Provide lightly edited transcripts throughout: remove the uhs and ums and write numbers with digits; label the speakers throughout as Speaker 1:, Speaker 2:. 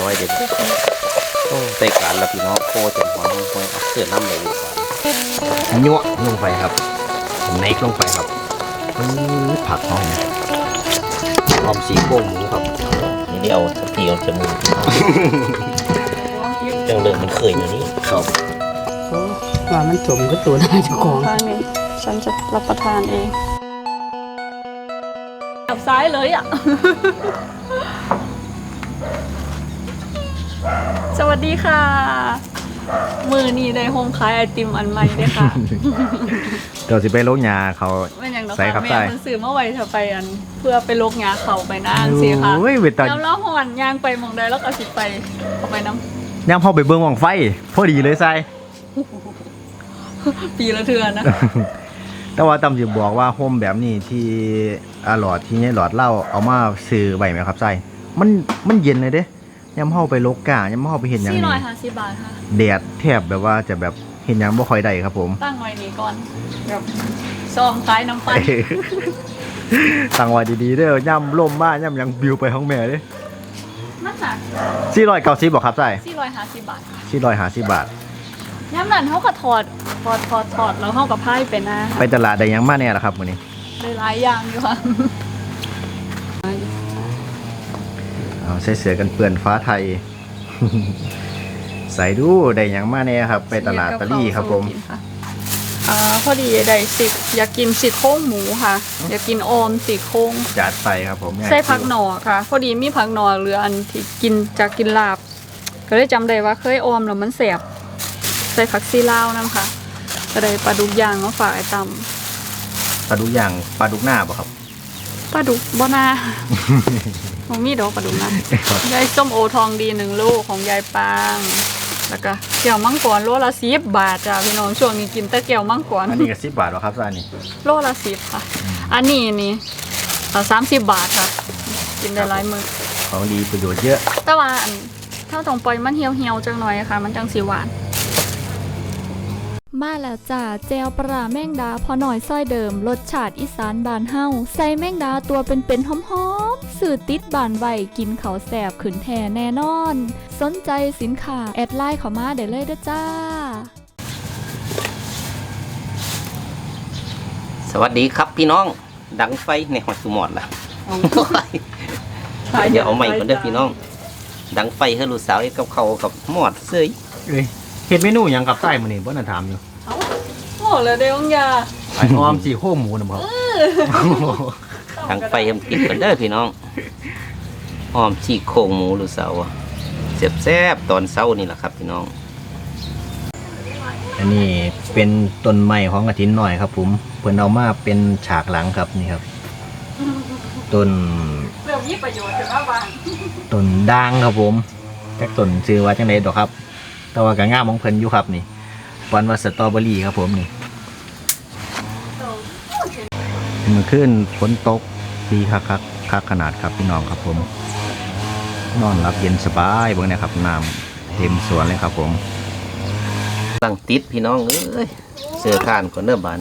Speaker 1: ว้เด็กโอ้ใส่การแล้วพี่น้องโคจนหัวมันคงเอาเสื้อน้ำเลยดีกว่ายั่วลงไปครับเนกลงไปครับผักหอมหอมสีโก้หมูครับนี่ได้เอาตีเอาจมูกจังเลยมันเคยอย่างนี้ครับ
Speaker 2: ว่ามันสมก็ตัวน่าจะของ
Speaker 3: ข้างนี้ฉันจะรับประทานเองจับซ้ายเลยอ่ะ สวัสดีค่ะมือนี้ได้โฮมขายไอติมอันใหม่เลยค่ะ
Speaker 1: เดี๋ยวสิไปโลกยาเขา
Speaker 3: ใส่ครับใส่แม่ซื้อมาไว้เธอไปอันเพื่อไปโลกยาเขาไปนั่งสิค่ะแล้วหอนย่างไปมองได้แล้วก็สิไปเอาไปน้ำ
Speaker 1: ย่างพอไปเบิ้งวังไฟพอดีเลยใส่
Speaker 3: ปีละเทือนนะ
Speaker 1: แต่ว่าตำจะบอกว่าโฮมแบบนี้ที่หลอดที่นี่หลอดเหล้าเอามาซื้อไว้ไหมครับใส่มันเย็นเลยเด้ย่ำเข้าไปโลกาย่ำเข้าไปเห็นอย่างนี้
Speaker 3: 450 บาทค่ะ
Speaker 1: แดดแทบแบบว่าจะแบบเห็นอย่างบ่ค่อยได้ครับผม
Speaker 3: ตั้งไว้นี้ก่อนแบบซองคล้ายน้ำปั้น
Speaker 1: ตั้งไว้ดีๆเด้อย่ำล่มบ้าย่ำยังบิวไปห้องแม่เด้
Speaker 3: นั่นหนัก
Speaker 1: 490บอกครับใส่
Speaker 3: 450 บาท
Speaker 1: 450 บาท
Speaker 3: ย่ำนั้นเขาก็ถอดแล้วเขาก็พายไปนะ
Speaker 1: ไปตลาดได้ยังมาแน่ละครับมื้อนี้
Speaker 3: ได้หลายอย่างอยู่ค่ะ
Speaker 1: ใส่เสื้อกันเปื้อนฟ้าไทย ใส่ดูได้ยังมาแน่ครับไปตลาดตะลี่ครับผม
Speaker 3: พอดีได้อยากกินซี่โครงหมูค่ะอยากกินออมซี่โครง
Speaker 1: จัดไปครับผม
Speaker 3: ใส่ผักหน่อค่ะพอดีมีผักหน่อเหลืออันที่กินลาบก็เลยจำได้ว่าเคยออมแล้วมันแสบใส่ผักซีลาวนั่นค่ะก็ได้ปลาดุกย่างมาฝากไอ้ต
Speaker 1: ปลาดุกย่างปลาดุกหน้าป่ะครับ
Speaker 3: ปลาดุกบ่นาของมีดอกปลาดุกนะยายส้มโอทองดี1 ลูกของยายปางแล้วก็แก้วมังกรโลละ10 บาทจ้าพี่น้องช่วงนี้กินแต่แก้วมังกร
Speaker 1: อันนี้ก็10 บาทหรอครับอันนี้
Speaker 3: โลละ10ค่ะอันนี้นี่30 บาทค่ะกินได้หลายมื้อ
Speaker 1: ของดีประโยชน์เยอะ
Speaker 3: แต่ว่าถ้าต้องปล่อยมันเหี่ยวๆจังหน่อยค่ะมันจังสิหวาน
Speaker 4: มาแล้วจ้าแจวปลาแมงดาพอหน่อยซ้อยเดิมรสชาติอีสานบานเฮาใส่แมงดาตัวเป็นหอมๆสื่อติดบานไวกินเขาแสบขืนแท่แน่นอนสนใจสินค้าแอดไลน์เข้ามาได้เลยเด้อจ้า
Speaker 1: สวัสดีครับพี่น้องดังไฟในหอดสุหมอดล่ะเดี๋ยวเอาใหม่ก่อนเด้อพี่น้องดังไฟให้ลูกสาวกับเขากับหมอดเสื้อเห็ดเมนูอย่างกับไส้มันนี่บ่น่าถามอยู่
Speaker 3: โอ้เลยเดี๋ยวยา
Speaker 1: ไอ้ออมซี่โครงหมูนะครับดังไฟทำกินกันเด้อพี่น้องออมซี่โครงหมูลูกสาวแซ่บๆตอนเช้านี่แหละครับพี่น้องอันนี้เป็นต้นไม้ของกระถินหน่อยครับผมเพิ่นเอามาเป็นฉากหลังครับนี่ครับต้น
Speaker 3: เรื่องมีประโยชน์ถึงว่าบ้าน
Speaker 1: ต้นด่างครับผมแจ็คต้นชื่อว่าจังได๋ดอกครับแต่ว่าก็งามของเพิ่นอยู่ครับนี่วันว่าสตรอเบอรี่ครับผมนี่เมื่อคืนฝนตกดีคักขนาดครับพี่น้องครับผมนอนรับเย็นสบายเบิ่งนะครับน้ำเต็มสวนเลยครับผมตั้งติดพี่น้องเอ้ยเสื้อข้านก่อนเด้อบาน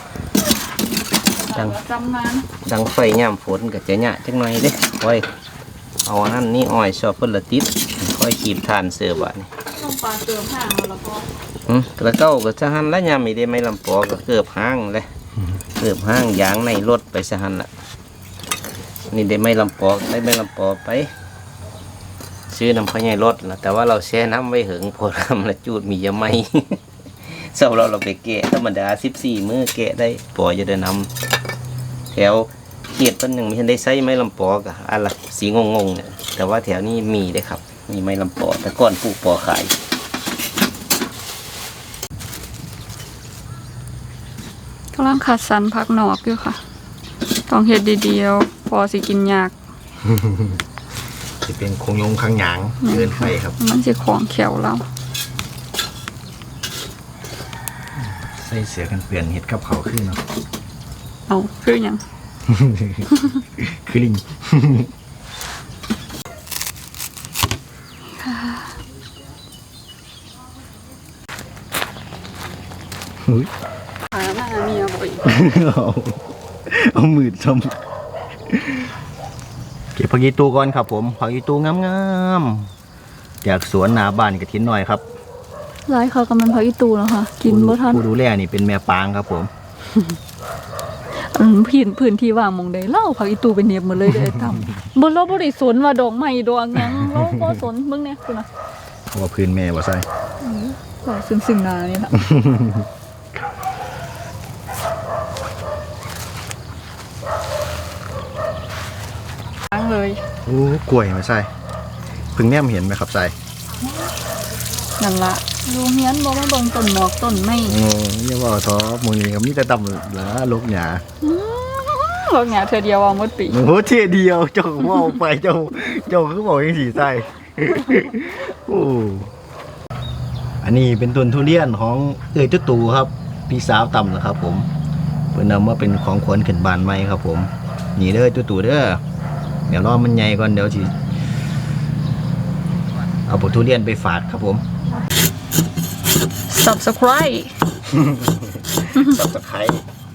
Speaker 1: ดังไฟย่ำฝนก็จะหยะจังหน่อยเด้ค่อยเอาอันนั้นนี่อ้อยชอบเพิ่นละติดค่อยขีบทานเสื้อบานนี่
Speaker 3: ต้องปลาเติมห่างแล้วก็
Speaker 1: กระเก้าก็จะหันแล้วยามมีได้ไม่ลำปอก็เกือบห้างเลยเกือบห้างยางในรถไปจะหันละนี่ได้ไม่ลำปอได้ไม่ลำปอไปซื้อน้ำพะไยรถแล้วแต่ว่าเราแช่น้ำไว้หึงพอทำละจูดมีเยอะไหมเศร้าเราไปแกะธรรมดา14 มื้อแกะได้ปอจะได้นำแถวเขียดต้นหนึ่งมีทันได้ใช้ไม้ลำปอกับอะไรสีงงเนี่ยแต่ว่าแถวนี้มีได้ครับมีไม้ลำปอแต่ก่อนปลูกปอขาย
Speaker 3: กำลังขัดสันพักหนอกอยู่ค่ะต้องเฮ็ดดีๆพอสิกินยาก
Speaker 1: จะเป็นคงยงข้างหยางเกินไปครับ
Speaker 3: มันจะของเขียวแล้ว
Speaker 1: ใส่เสือกันเปลี่ยนเห็ดกับเขาขึ้นเนาะ
Speaker 3: เอาคือยัง
Speaker 1: คือลิง
Speaker 3: หาหน้าเมียบ่อย
Speaker 1: เอามือชมเก็บผักยีตูก่อนครับผมผักยีตูงาม
Speaker 5: จากสวนนาบ้านกระถินหน่อยครับ
Speaker 3: หลายเขากำลังพักอีตูแล้วค่ะ กินบ่ทัน
Speaker 5: ผู้ดูแลนี่เป็นแม่ปางครับผม
Speaker 3: พื้นที่ว่างหมองใดเล่าพักอีตูเป็นเนียบหมดเลยเด้อทำบ่เราบ่ได้สนว่าดอกไม้ดอกหยังเราบ่สนมึงเนี่ยคุณน่ะ
Speaker 5: ว่าพื้นแม่บ่ใส่
Speaker 3: ก็ซึ่งหน้านี่ล่ะล้างเลย
Speaker 5: โอ้กล้วยมาใส่เพิ่งแนมเห็นไหมครับใส่
Speaker 3: นั่นล่ะโรงเรียนบ่มาเบิ่งต้นหมอกต้นไม้
Speaker 5: โอ้ยว่าท้อมือนี้ก็มีแต่ตำหลาลกหยา
Speaker 3: ดอกหญ้าเทื่อเดียวเอาหมดปี
Speaker 5: โอ้โหเที่ยเดียวเจ้าว่าไปเจ้าคือบอกยังสีใส่โอ้อันนี้เป็นต้นทุเรียนของเอ้ยตุ๊ตู่ครับพี่สาวตำนะครับผมเพิ่นนำมาเป็นของขวัญขึ้นบ้านใหม่ครับผมนี่เด้อตุ๊ตู่เด้อเดี๋ยวรอมันใหญ่ก่อนเดี๋ยวสิเอาผลทุเรียนไปฝาดครับผม
Speaker 3: Subscribe
Speaker 5: ตับตะไคร้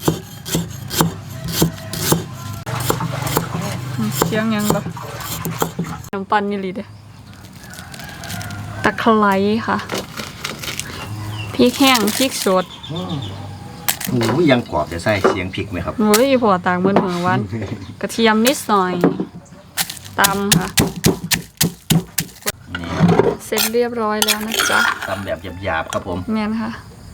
Speaker 3: เสียงยังบ่น้ำปั่นนี่ลิเด้ตะไคร้ค่ะพริกแห้งพริกสด
Speaker 5: โอ้ยยังกรอบจะใส่เสียงพริกไหมครับ
Speaker 3: โอ้ยพอตากมื้อหวานกระเทียมนิดหน่อยตำค่ะ
Speaker 5: นี่
Speaker 3: เสร็จเรียบร้อยแล้วนะจ๊ะ
Speaker 5: ตำแบบหยาบๆครับผม
Speaker 3: แม่นค่ะ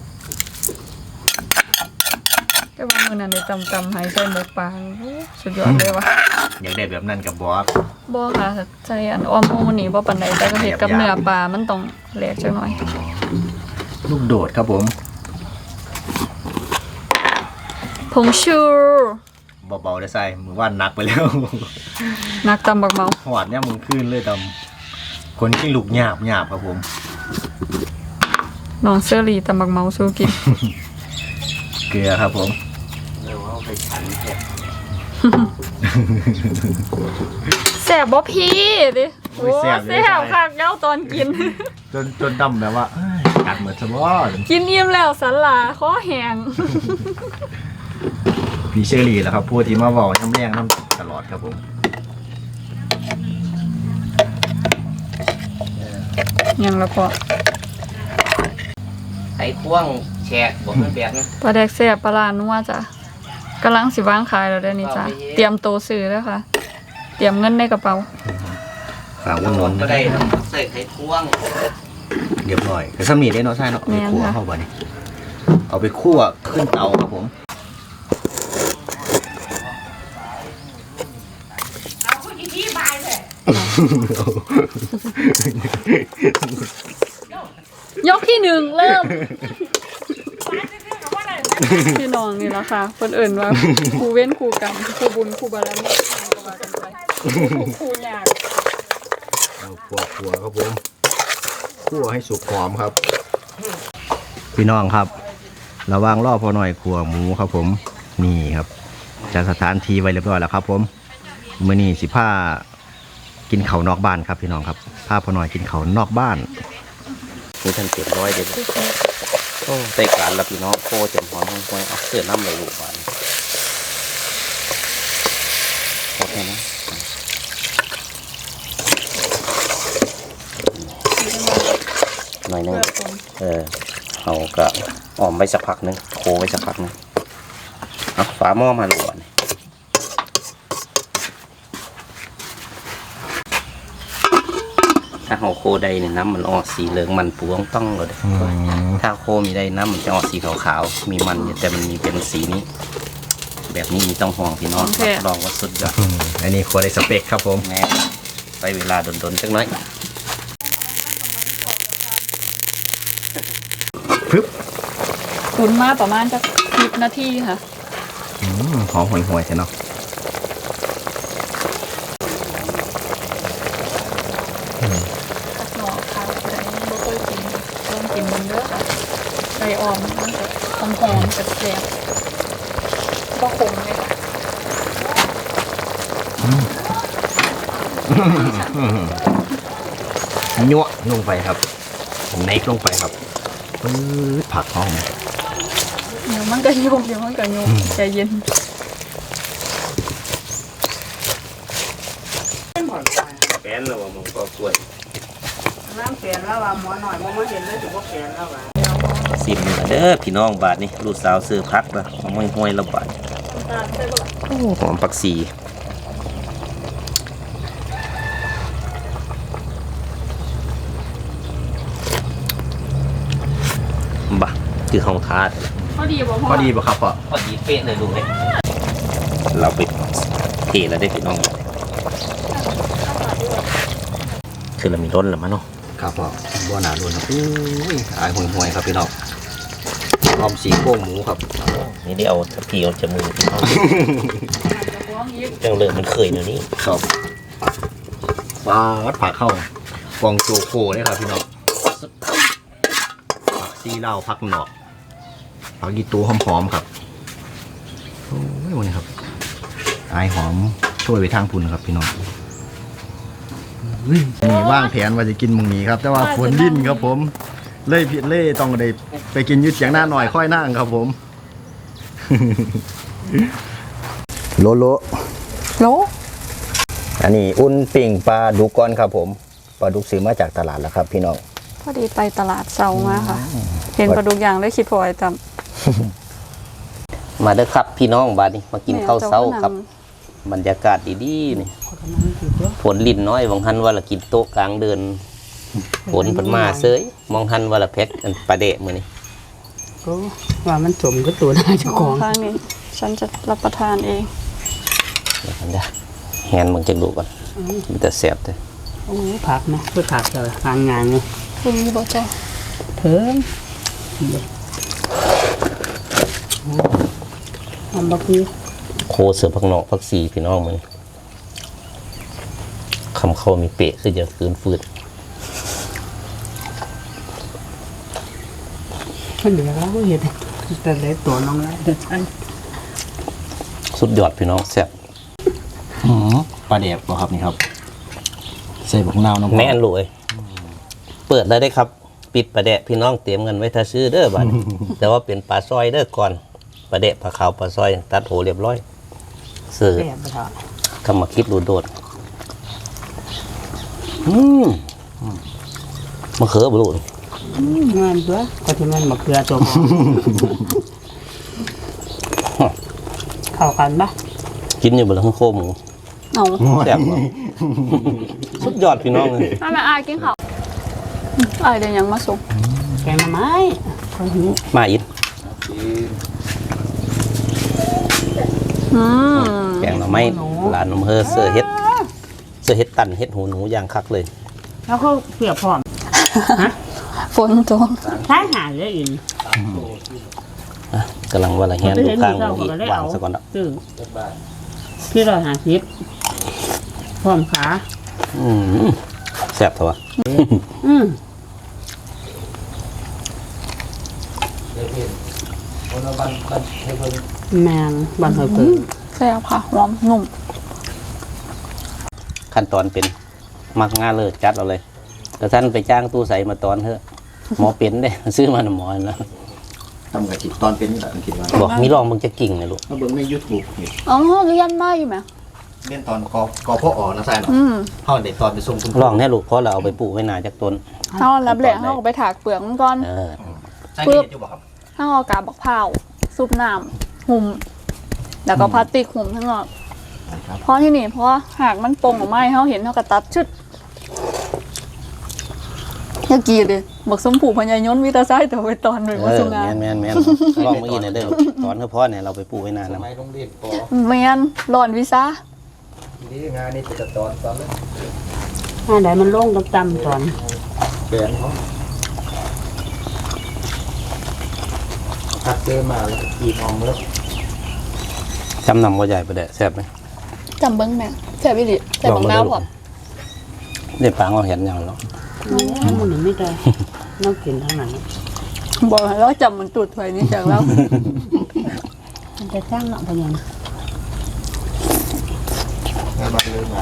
Speaker 3: แต่ว่ามื้อนั้นได้ตำให้ใส่หมกปลาโอ้สุดยอดเลยว่ะ
Speaker 5: อยากได้แบบนั้นกับบอส
Speaker 3: บ่ค่ะใส่อันอ้อมโมนี่บ่ปานใดแต่ก็เฮ็ดกับเนื้อปลามันต้องแหลกจักหน่อย
Speaker 5: ลูกโดดครับผม
Speaker 3: ผงชู
Speaker 5: เบาๆได้ใส่มือว่านหนักไปแล้ว
Speaker 3: นักตำบักเมา
Speaker 5: หอดเนี่ยมึงขึ้นเลยตำคนที่ลูกหยาบครับผม
Speaker 3: น้องเชอรี่ตำบักเมาสู้กิน
Speaker 5: เกลือครับผม
Speaker 1: เออว่าเอาไปฉันแค่
Speaker 3: แซ่บบ่พี่ดิโอ้แซ่บคักเย้าตอนกิน
Speaker 5: จนดำแบบว่าเอ้ยกัดเหมือนสมอ
Speaker 3: กินอิ่มแล้วสันหลาคอแห้ง
Speaker 5: พี่เชอรี่แหละครับพูดที่มาบอกน้ำแรงน้ำตลอดครับผม
Speaker 3: ยังละพอ
Speaker 1: ไอ้พ่วงแฉกบอกมันแบบนั้น
Speaker 3: ปลาแดกแซ่บปลาลานัวจ้ะกำลังสิวางขายแล้วเด้อนี่จ้ะเตรียมโตวซื้อแล้วค่ะ เตรียมเงินในกระเป๋า
Speaker 5: ฝากวนๆ
Speaker 1: ก็ได้นะใส่ไข่พ่วง
Speaker 5: เรียบร้อยแต่สมีได้เนาะใช่เนาะเอาไปคั่วเข้าไปนี่เอาไปคั่วขึ้นเตาครับผม
Speaker 3: ยกที่หนึ่งเริ่ม พี่น้องนี่ละค่ะคนอื่นว่าครูเว้นครูกรรมครูบุญครูบารมีก็ว่ากันไปครูยาก
Speaker 5: เอาคั่วครับผมคั่วให้สุกหอมครับ พี่น้องครับระวังรอพอหน่อยคั่วหมูครับผมนี่ครับจัดสถานที่ไว้เรียบร้อยแล้วครับผมมื้อนี้สิพากินข้าวนอกบ้านครับพี่น้องครับพาพอหน่อยกินข้าวนอกบ้าน
Speaker 1: มีทันเจ็ดร้อยเด็ดโอ้ใส่การแล้วพี่น้องโคเต็มหอมห้องควยเอาเสื้อน้ำเลยลูกบานโอเคนะหน่อยนึงเอากระอ่อมไว้สักพักนึงโคไว้สักพักนึงเอาฝาหม้อมาลูกบานถ้าเอาโคใดเนี่ยน้ำมันออกสีเหลืองมันปูต้องเลย ถ้าโคมีได้น้ำมันจะออกสีขาวๆ มีมันอยู่แต่มันมีเป็นสีนี้ แบบนี้มีต้องห่วงพี่น้องรับรองว่าสุดยอด
Speaker 5: อันนี้คั่วได้สเปกครับผม
Speaker 1: แน่ไปเวลาดนๆจักหน้อย
Speaker 5: ปึ๊บ
Speaker 3: ตุ๋นมาประมาณจะ10 นาทีค่ะ
Speaker 5: หอมห่วยๆใช่เนาะ
Speaker 3: หน่อค่ะใจบ่เคยกินลองกินมันเด้อค่ะไก่ออมมันจะหอมๆแซ่บๆบ่ขมเลยค่ะ
Speaker 5: ยั่วลงไปครับเน็กลงไปครับปื๊ดผักหอม
Speaker 3: เดี๋ยวมันก็โยกใจเย็น
Speaker 1: แป้นแล้วมึงก็กล้วย
Speaker 2: น้ำเปลี่ยนแล้วว่าหมอหน่อยบ่มาเห็นเลยสิบ่เปลี่ยนแล้วว่า
Speaker 1: สิมเด้อพี่น้องบาทนี่ลูกสาวซื้อพักละห้วยๆละบาทโอ้หอมผักชีบ่คือห้องทาด
Speaker 3: พอดีบ่พ่อ
Speaker 5: พอดีป่ะครับพ่อ
Speaker 1: พอดีเป๊ะเลยลูกเลยเราไปเทแล้วได้พี่น้องคือเรามีร้นแล้วมั้งเนาะ
Speaker 5: ครับพ่อบัวหนาล้วนครับอุ้ยอายห่วยๆครับพี่น้องออมสีโค้งหมูครับ
Speaker 1: นี่ได้เอาตะกี้เอาจมูกพี่น้องจังเลยมันเคยเดี๋ยวนี้
Speaker 5: ครับปลาวัดผักเข้ากองโจโคเลยครับพี่น้องผักซีเหล้าผักหนอกผักยีตูหอมๆครับโอ้ยวันนี้ครับอายหอมช่วยไปทางพุ่นครับพี่น้องนี่ว่างแผนว่าจะกินมึงนี้ครับ แต่ว่าฝนดิ้นครับผมเล่ผิดเล่ต้องได้ไปกินยืดเสียงหน้าหน่อยค่อยนั่งครับผม โลโล
Speaker 3: โล
Speaker 5: อันนี้อุ่นปิ่งปลาดุกก้อนครับผมปลาดุกซื้อมาจากตลาดแล้วครับพี่น้อง
Speaker 3: พอดีไปตลาดเซามาค่ะ เห็นปลาดุกย่างเลยคิดพอไอ้จ
Speaker 1: มาเด้อครับพี่น้องบาดนี้มา
Speaker 3: ำ
Speaker 1: กินข้าวเช้าครับบรรยากาศดีๆนี่ฝนลิ่นน้อยบางหันว่าละกินโต๊ะกลางเดินฝนเพิ่นมาเซยมองหันว่าละเพชรอันปลาเดะมื้อนี้
Speaker 2: ก็ว่ามันสมก็ตัวหน้าเจ้าของ
Speaker 3: ข้างนี้ฉันจะรับประทานเอง
Speaker 1: เดี๋ยวกันเด้อแฮนมึงจักดูก่อนมันจะแซ่บเด้อ
Speaker 2: โอ้ผักนะเพื่อผักเลยทางงานไง
Speaker 3: คุณมีบ่จ้า
Speaker 2: เถิงทำบักนี้
Speaker 1: โคเสือผักนอกผักชีพี่น้องมื้อนี้คำเข้ามีเปะคือจะคืนฟืด
Speaker 2: มันเหลือแล้วก็เห็นแต่เล็กตัวน้องแล้วแต่ฉัน
Speaker 1: สุดยอดพี่น้องแซ่บ
Speaker 5: ปลาแดกบ่ครับนี่ครับใส่บักนาวน้ำ
Speaker 1: แม่นรวยเปิดได้ครับ ปิดปลาแดะพี่น้องเตรียมเงินไว้ถ้าซื้อเด้อบัดนี้ แต่ว่าเป็นปลาซอยเด้อก่อนปลาแดะปลาขาวปลาซอยตัดโหเรียบร้อยซื้อ
Speaker 2: แอบไปเถอะ
Speaker 1: คำมาคิดดูโดดมะเขือบลูก
Speaker 2: งานตัวก็ที่มันบักเกลือตัวหมอเข้ากันปะ
Speaker 1: กินอยู่บนข้างโคหมู
Speaker 3: เอา
Speaker 1: แซ่บบ่ สุดยอดพี่น้องเลย
Speaker 3: ถ้าแม่อายกินข้าวอายเดี๋ยวยังมาส่ง
Speaker 2: แกงหน่อไม้คนหิว
Speaker 1: มาอิน แกงหน่อไม้หลานนมเฮอเสื้อเฮ็ดตันเฮ็ดหูหนูอย่างคักเลย
Speaker 2: แล้วก็เผือกพร้อม
Speaker 3: ฝนตก
Speaker 2: ท้ายหาเลยอิน
Speaker 1: อ่ะกำลังว่าละแฮนดูข้างหมูอีกวางซะก่อนเนาะ
Speaker 2: ซื้อที่เราหาคลิปพร้อมขา
Speaker 1: แซ่บเถอะวะ
Speaker 2: อืมแมงบันเทิงเปิด
Speaker 3: แซ่บค่ะหอมนุ่ม
Speaker 1: ขั้นตอนเป็นมักง่าเลยจัดเอาเลยแต่ท่านไปจ้างตู้ใสมาตอนเถอะหมอเป็นเด้ ซื้อมาหน่ะหมอนะ
Speaker 5: ทำกับจิตตอนเป็นนี่แหละคิดว่า
Speaker 1: บอกมีลองมึงจะกิ่งนะลูก
Speaker 5: ถ้าเบิ่งใน YouTube นี่
Speaker 3: อ๋อเรียนมาอยู่ไหม
Speaker 5: เล่นตอนกอพ่ออ๋อนะใช่เนาะ
Speaker 3: อืม
Speaker 5: เฮาได้ตอนไปส่งคุณ
Speaker 1: ลองแน่ลูกเพราะเราเอาไปปลูกไว้นานจากต้น
Speaker 3: เอารับแหล่เขาก็ไปถากเปลือกมันก่อน
Speaker 5: ใช่เฮ็ดอยู่บ่ครับ
Speaker 3: เอากาบบักพร้าวซุปน้ำหุ่มแล้วก็พลาสติกหุ่มทั้งหมดเพราะที่นี่เพราะหากมันปงออกมาให้เขาเห็นเขาก็ตัดชุดอยากีเลยบักสมผูพญายนวิตาไซแต่ไปตอนหนึ่งว่าสุงา
Speaker 1: แม่นลองเมื่อกี้เนี่ยเด้อตอนเฉพาะเนี่ยเราไปปลูกไว้นานแล้ว
Speaker 5: ไม่ต้องรีบปอ
Speaker 3: แมนหลอนวิซ่า
Speaker 5: นี่งานนี่จะตอนเลย
Speaker 2: อันไหนมันโล่งต่ำๆตอน
Speaker 5: แบนเขาพัดเดินมาแล้วกีบอมแล้ว
Speaker 1: จำนำก็ใหญ่ประเดะแซ่บไหม
Speaker 3: จำเบิ้งแม่แซ่บวิลิแซ่บบักน้าวพร้อม
Speaker 1: เด็ดปังเราเห็นอย่างเนาะ
Speaker 2: มันไม่ได้น้องกินทั้งนั้น
Speaker 3: บอกให้เราจำมันตูดถวยนี่จากแล้ว
Speaker 2: มันจะจ้างเนาะพยัง
Speaker 5: งานบ้านเลยมา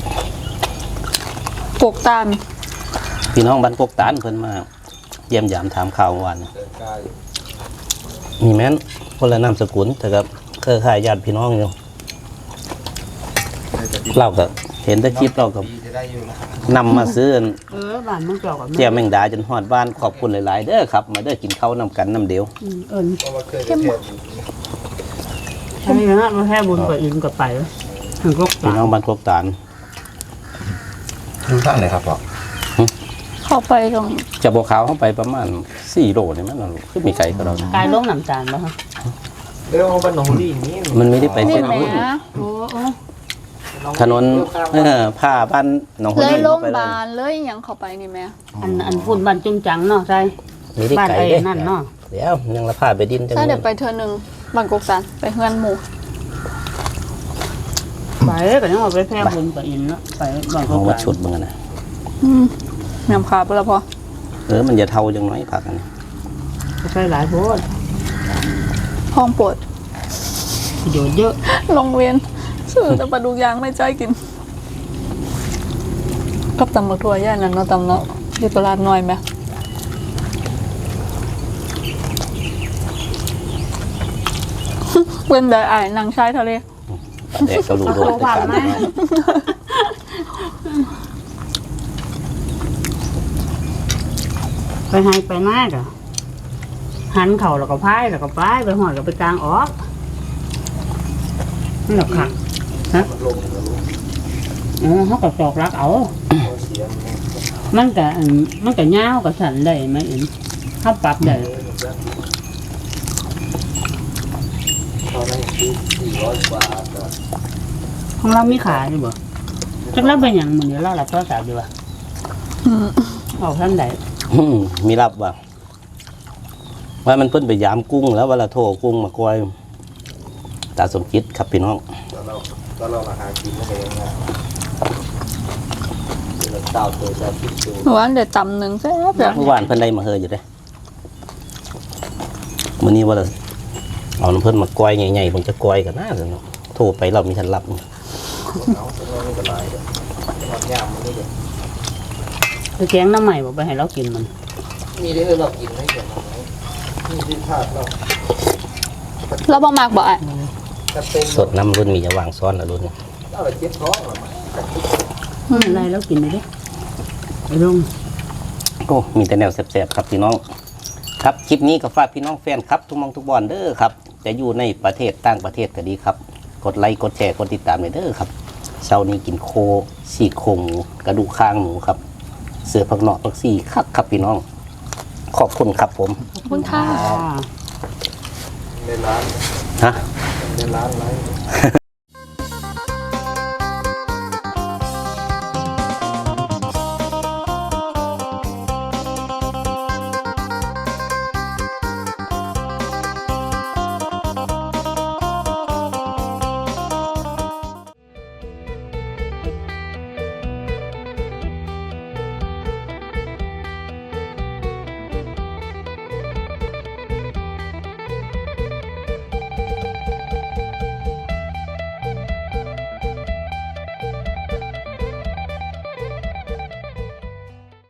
Speaker 3: ปลูกตาล
Speaker 1: พี่น้องบ้านกกตานเพิ่นมาเยี่ยมยามถามข่าวเมื่อวาน
Speaker 5: เดินกาย
Speaker 1: มีแม่นคนละนามสกุลแต่ก็เครือข่ายญาติพี่น้องอยู่
Speaker 5: ให้แต่ที่
Speaker 1: เราก็เห็นแต่คลิปเราก็นำมาซื้อ
Speaker 2: บ้านมึงเจ้ากับ
Speaker 1: เจียวแมงดาจนฮอดบ้านขอบคุณหลายๆเด้อครับมาเด้อกินข้าวนำกันน้ำเดียว
Speaker 2: เข้มอันนี้นะมาแค่บุญกับอินกับไปถึงก็
Speaker 1: พี่น้องบ้านครบตาล
Speaker 5: ดูท่านไหนครับพ่อ
Speaker 3: เข้าไปตรง
Speaker 1: จะบอกขาวเข้าไปประมาณ4 โลนี่มันลูกคือมีไก่กับเรา
Speaker 2: กายล้มน้ำตาลแล้วฮะ
Speaker 5: เรื่องบ้านหนองลีนี่
Speaker 1: มันไม่ได้ไปเส้น
Speaker 3: แหม
Speaker 1: นู้น
Speaker 2: โอ้
Speaker 1: ถนนผ้าบ้านหนองหัว
Speaker 3: เลย
Speaker 1: นี่
Speaker 3: โรง
Speaker 1: เข้า
Speaker 3: พ
Speaker 1: ไป
Speaker 3: ยา
Speaker 1: เลย
Speaker 3: บาลเลยหยังเข้าไปนี่แม่
Speaker 2: อันฝุ่นบ้านจุ้งจังเนาะใช่
Speaker 1: มีได้
Speaker 2: บ้าน
Speaker 1: ไก่
Speaker 2: ไอ้
Speaker 1: เด้
Speaker 2: นั่นเนาะ
Speaker 1: เดี๋ยวยังละผ้าไปดินจัง
Speaker 3: ใช่เดี๋ยวไปเธอหนึ่งบางกอกสันไปเฮือนหมู่
Speaker 2: ไปก็ยังเอาไปแค่บุญกับอินเนาะไปบ้าน
Speaker 1: เอา
Speaker 2: เขา
Speaker 1: มาฉุดมึงนะ
Speaker 3: แม่มขาไปแล้วพอ
Speaker 1: มันจะเท่าจังน้อยผักกัน
Speaker 2: ใช้หลายโพด
Speaker 3: ห้องปวด
Speaker 2: ประโยชน์เยอะ
Speaker 3: โรงเรียนชื่อแต่ปลาดุกยางไม่ใจกินกับตำบักถั่วย่านนั้นเนาะตำเนาะที่ตลาดน้อยไหมเว้นได้อ่ายนางชายทะเล
Speaker 1: แต่ก็รู้โดนในการน้อย
Speaker 2: ไปให้ไปมากอ่ะหันเข่าแล้วก็พายแล้วก็ป้ายไปหอดแล้วไปกลางออกนี่หรอกค่ะฮะอ๋อเขาก็จอกรักเอามันก็ยาวกับสันได้ไหมเอ็นเขาปรับได้ของเรามีขาใช่บ่จักแล้วเป็นอย่างมือนี้เราหลับโทรศัพท์ดีกว่าเอาท่านใด
Speaker 1: มีรับว่ามันเพิ่นไปยามกุ้งแล้วเวลาโทรกุ้งมากอยตาสมคิดครับพี่น้อง
Speaker 5: ตอนเรามาหากินนั่นเองนะ
Speaker 1: เต้าตัวจะคิดดู
Speaker 3: หนูว่าเดี๋ยวตำหนึ่งแซ่บแบบ
Speaker 1: เมื่อวานเพิ่นได้มาเฮออยู่เด้มื้อนี้ว่าเราเอาน้ำเพิ่นมากอยใหญ่ๆผมจะกอยกันนะเดี๋ยวเนาะโทรไปเรามีทันรับ
Speaker 2: ไปแกงน้ำใหม่บอกไปให้เรากินมัน
Speaker 5: มีได้เรากินไหมเกี่ยวกับมีที่พลาดเรา
Speaker 3: แล้วบ่มากบ่อ่ะ
Speaker 5: จะเป็น
Speaker 1: สดน้ำรุ่นมีจะวางซ้อนละรุ่น
Speaker 5: เราเจ็บท้องหรอ
Speaker 2: อะไรเรากินเลยดิไอ้ลุง
Speaker 1: โอ้มีแต่แนวแสบๆครับพี่น้อง ครับคลิปนี้ก็ฝากพี่น้องแฟนครับทุกมองทุกบอนเด้อครับจะอยู่ในประเทศต่างประเทศก็ดีครับกดไลค์กดแชร์กดติดตามเลยเด้อครับเช้านี้กินโคฉีกโครงหมูกระดูกข้างหมูครับเสือผักเนาะผักซี่คักครับพี่น้อง ขอบคุณครับผม
Speaker 3: ขอบคุณค่ะ
Speaker 5: ในร้าน
Speaker 1: ฮะ
Speaker 5: ในร้านไร